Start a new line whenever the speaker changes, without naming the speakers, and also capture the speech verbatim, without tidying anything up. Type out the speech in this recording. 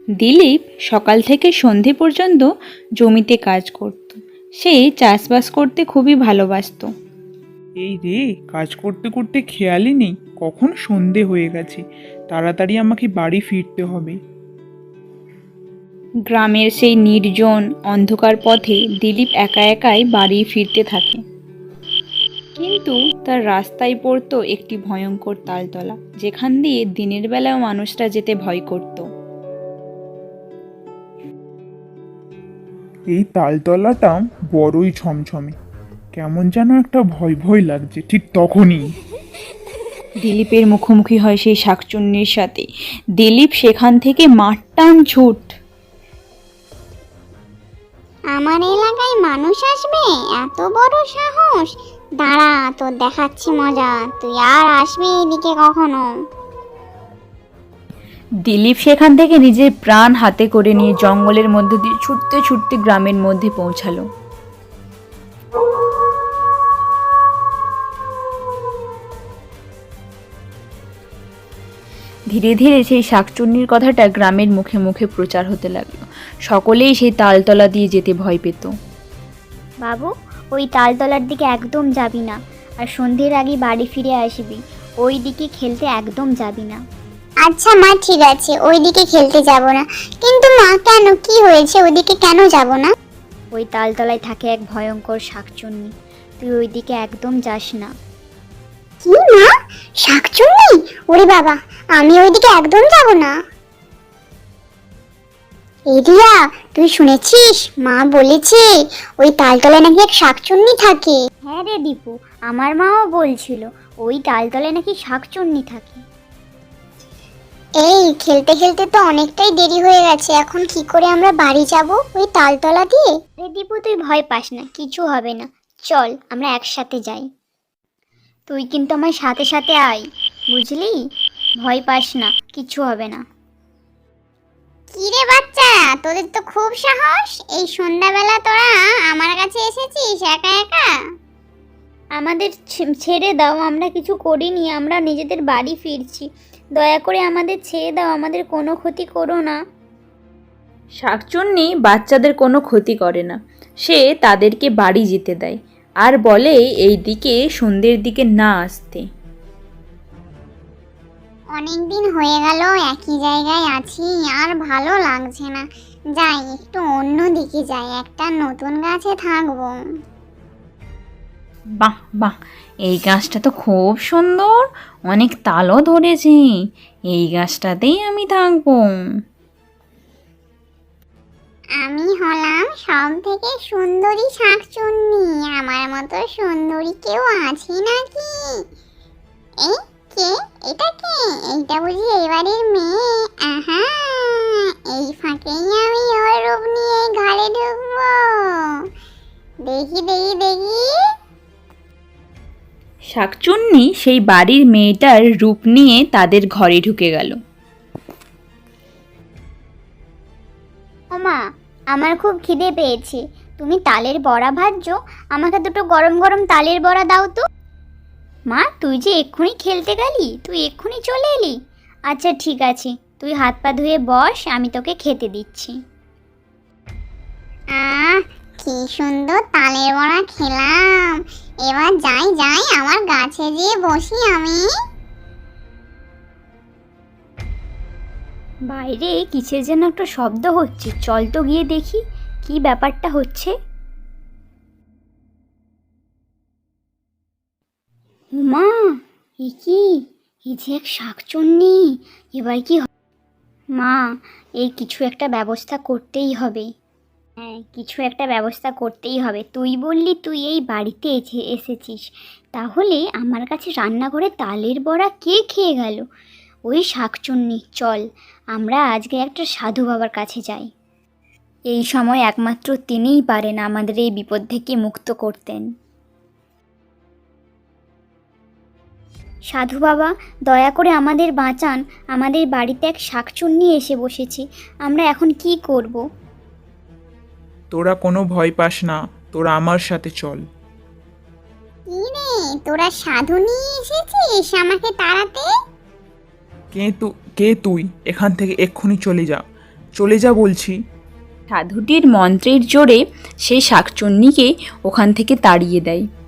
দিলীপ সকাল থেকে সন্ধে পর্যন্ত জমিতে কাজ করত। সে চাষবাস করতে খুবই ভালোবাসতো।
এই রে, কাজ করতে করতে খেয়ালই নেই কখন সন্ধে হয়ে গেছে। তাড়াতাড়ি আমাকে বাড়ি ফিরতে হবে।
গ্রামের সেই নির্জন অন্ধকার পথে দিলীপ একা একাই বাড়ি ফিরতে থাকে। কিন্তু তার রাস্তায় পড়তো একটি ভয়ঙ্কর তালতলা, যেখান দিয়ে দিনের বেলাও মানুষরা যেতে ভয় করত।
এই তালতলাটা বড়ই ছমছমে, কেমন যেন একটা ভয় ভয় লাগছে ঠিক তখনই।
দিলীপের মুখোমুখি হয় সেই শাকচুন্নির সাথে। দিলীপ সেখান থেকে মারটান ছুট।
আমার এলাকায় মানুষ আসবে, এত বড় সাহস! দাঁড়া, তোর দেখাচ্ছি মজা, তুই আর আসবি এদিকে কখনো?
দিলীপ সেখান থেকে নিজের প্রাণ হাতে করে নিয়ে জঙ্গলের মধ্যে দিয়ে ছুটতে ছুটতে গ্রামের মধ্যে পৌঁছালো। ধীরে ধীরে সেই শাকচুন্নির কথাটা গ্রামের মুখে মুখে প্রচার হতে লাগলো। সকলেই সেই তালতলা দিয়ে যেতে ভয় পেত।
বাবু, ওই তালতলার দিকে একদম যাবি না, আর সন্ধ্যের আগে বাড়ি ফিরে আসবি। ওই দিকে খেলতে একদম যাবি না।
আচ্ছা মা, ঠিক আছে, ওইদিকে খেলতে যাব না। কিন্তু মা, কেন, কি হয়েছে? ওইদিকে কেন যাব না?
ওই তালতলায় থাকে এক ভয়ঙ্কর শাকচুন্নি, তুই ওই দিকে একদম যাস না।
কি মা, শাকচুন্নি? ওরে বাবা, আমি ওইদিকে একদম যাব না। এই রিয়া, তুই শুনেছিস? মা বলেছে ওই তালতলায় নাকি এক শাকচুন্নি থাকে।
হ্যাঁ রে দীপু, আমার মাও বলছিল ওই তালতলায় নাকি শাকচুন্নি থাকে।
এই খেলতে খেলতে তো অনেকটাই দেরি হয়ে গেছে, এখন কি করে আমরা বাড়ি যাব ওই তালতলা দিয়ে?
রে দীপু, তুই ভয় পাস না, কিছু হবে না। চল আমরা একসাথে যাই। তুই কিন্তু আমার সাথে সাথে আয়, বুঝলি? ভয় পাস না, কিছু হবে না।
কি রে বাচ্চা, তোদের তো খুব সাহস! এই সন্ধ্যাবেলা তোরা আমার কাছে এসেছিস একা একা?
আমাদের ছে- ছেড়ে দাও, আমরা কিছু করিনি, আমরা নিজেদের বাড়ি ফিরছি। দয়া করে আমাদের ছেড়ে দাও, আমাদের কোনো ক্ষতি করো না।
শাকচুন্নি বাচ্চাদের কোনো ক্ষতি করে না। সে তাদেরকে বাড়ি যেতে দেয় আর বলে এই দিকে সন্ধ্যের দিকে না আসতে।
অনেকদিন হয়ে গেল একই জায়গায় আছি, আর ভালো লাগছে না। যাই একটু অন্য দিকে যাই, একটা নতুন গাছে থাকবো।
বাহ বাহ, এই গাছটা তো খুব সুন্দর, অনেক তালও ধরেছে। এই গাছটাতেই আমি থাকবো।
আমি হলাম সব থেকে সুন্দরী শাকচুন্নি, আমার মতো সুন্দরী কেউ আছে নাকি? এই কে? এটা কে? এইটা বুঝি এই বাড়ির মেয়ে? আহা, এই ফাঁকেই আমি ওর রূপ নিয়ে ঘরে ঢুকবো। দেখি দেখি দেখি।
শাকচুন্নি সেই বাড়ির মেয়েটার রূপ নিয়ে তাদের ঘরে ঢুকে গেল।
ওমা, আমার খুব খিদে পেয়েছে। তুমি তালের বড়া ভাজছো, আমাকে দুটো গরম গরম তালের বড়া দাও তো। মা, তুই যে এক্ষুনি খেলতে গেলি, তুই এক্ষুনি চলে এলি? আচ্ছা ঠিক আছে, তুই হাত পা ধুয়ে বস, আমি তোকে খেতে দিচ্ছি।
আহ, কি সুন্দর তালের বড়া খেলাম। এবার যাই যাই আমার গাছে যেয়ে বসি আমি।
বাইরে কিসের যেন একটা শব্দ হচ্ছে, চল তো গিয়ে দেখি কি ব্যাপারটা হচ্ছে। মা, এ কি? এই যে এক শাকচুন্নি, এবার কি হবে? মা, এই কিছু একটা ব্যবস্থা করতেই হবে। হ্যাঁ, কিছু একটা ব্যবস্থা করতেই হবে। তুই বললি তুই এই বাড়িতে এসে এসেছিস, তাহলে আমার কাছে রান্নাঘরে তালের বড়া কে খেয়ে গেল? ওই শাকচুন্নি। চল আমরা আজকে একটা সাধু বাবার কাছে যাই। এই সময় একমাত্র তিনিই পারেন আমাদের এই বিপদ থেকে মুক্ত করতেন। সাধু বাবা, দয়া করে আমাদের বাঁচান, আমাদের বাড়িতে এক শাকচুন্নি এসে বসেছে, আমরা এখন কি করব?
তোরা কোনো ভয় পাস না, তোরা আমার সাথে চল।
কি রে, তোরা সাধু নিয়ে এসেছিস আমাকে তাড়াতে?
কে তু কে তুই? এখান থেকে এক্ষুনি চলে যা। চলে যা বলছি।
সাধুটির মন্ত্রের জোরে সেই শাকচুন্নিকে ওখান থেকে তাড়িয়ে দেয়।